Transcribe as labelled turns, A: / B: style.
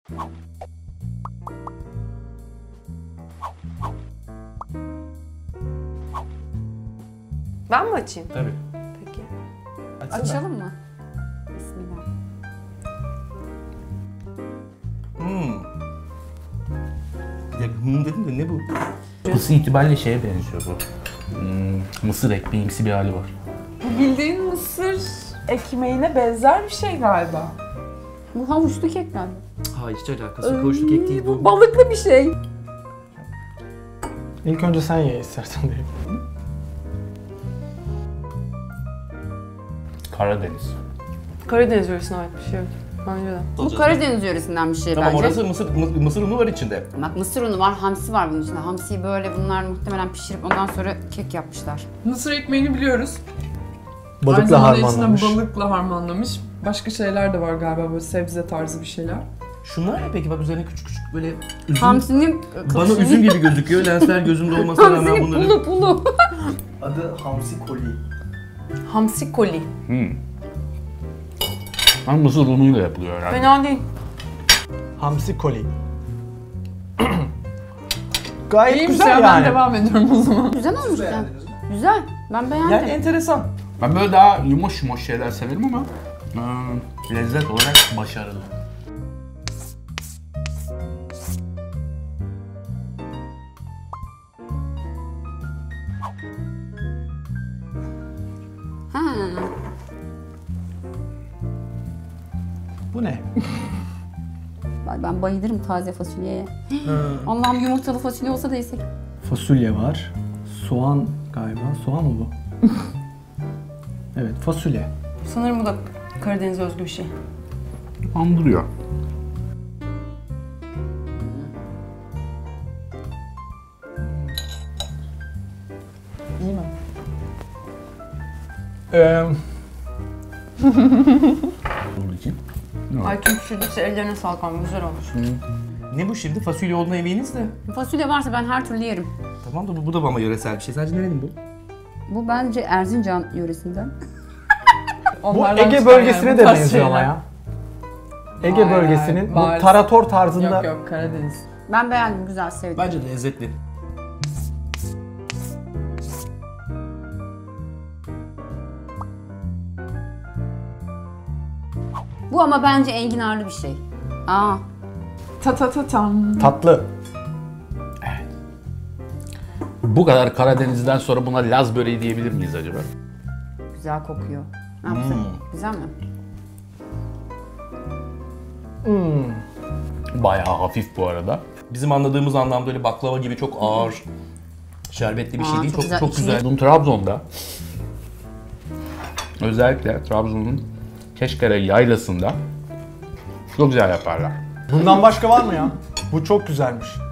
A: Ben mi açayım?
B: Tabii.
A: Peki.
B: Açsana.
C: Açalım mı? Bismillah.
B: Ya dedim de ne bu?
D: Isı itibariyle şeye benziyor bu. Mısır ekmeğimsi bir hali var.
E: Bu bildiğin mısır ekmeğine benzer bir şey galiba.
C: Bu havuçlu kek galiba.
B: Hayır hiç alakası yok. Hoşluk kek değil bu.
C: Balıklı bir şey.
F: İlk önce sen ye istersen diye.
D: Karadeniz.
A: Karadeniz yöresine ait bir şey. Bence de.
C: Bu Karadeniz yöresinden bir şey
B: Tamam
C: bence.
B: orası mısır unu var içinde.
C: Bak mısır unu var, hamsi var bunun içinde. Hamsiyi böyle bunlar muhtemelen pişirip ondan sonra kek yapmışlar.
E: Mısır ekmeğini biliyoruz. Aynı
F: Balıkla
E: zamanda içinde
F: harmanlamış.
E: balıkla harmanlamış. Başka şeyler de var galiba böyle sebze tarzı bir şeyler.
B: Şunlar ne peki? Bak üzerine küçük küçük böyle üzüm.
C: Hamsinin
B: Bana üzüm gibi gözüküyor. Lensler gözümde olmasına rağmen
C: Hamsi
B: bunları...
C: pulu.
F: Adı hamsi koli.
A: Hamsi koli.
D: Ama mısır unuyla yapılıyor herhalde.
A: Fena değil.
F: Hamsi koli. Gayet
E: İyiymiş
F: güzel
E: ya,
F: yani.
E: ben devam ediyorum o zaman.
C: Güzel olmuş ya. Güzel. Ben beğendim.
B: Yani enteresan.
D: Ben böyle daha yumuş şeyler severim ama lezzet olarak başarılı.
C: Ha.
F: Bu ne?
C: Ben bayılırım taze fasulyeye. Allah'ım yumurtalı fasulye olsa da yesek.
F: Fasulye var. Soğan galiba. Soğan mı bu? Evet, fasulye.
A: Sanırım bu da Karadeniz özgü bir şey.
D: Andırıyor.
F: İyi mi?
D: Bunun için.
A: Ay kim pişirdiyse ellerine sağlık ama güzel olmuş.
B: Ne bu şimdi? Fasulye olduğuna eminiz de.
C: Fasulye varsa ben her türlü yerim.
B: Tamam da bu da bana yöresel bir şey. Sadece nerenin bu?
C: Bu bence Erzincan yöresinden.
F: Bu
E: Onlardan
F: Ege
E: çıkan
F: bölgesine
E: yani,
F: de
E: bu tarz
F: benziyor ama
E: şeyler.
F: ya. Ege
E: Hayır,
F: bölgesinin bu
E: hayır.
F: tarator tarzında.
E: Yok yok Karadeniz.
C: Ben beğendim, güzel, sevdim.
B: Bence de lezzetli.
C: Bu ama bence enginarlı bir şey. Aa,
E: Ta ta ta tam.
F: Tatlı.
D: Bu kadar Karadeniz'den sonra buna Laz böreği diyebilir miyiz acaba?
C: güzel kokuyor. Ne yapsın? Güzel mi?
D: Bayağı hafif bu arada.
B: Bizim anladığımız anlamda öyle baklava gibi çok ağır, şerbetli bir şey
C: Aa,
B: değil.
C: çok
B: Çok
C: güzel.
B: çok güzel.
D: Bunun Trabzon'da, özellikle Trabzon'un Keşkere yaylasında çok güzel yaparlar.
F: Bundan başka var mı ya? Bu çok güzelmiş.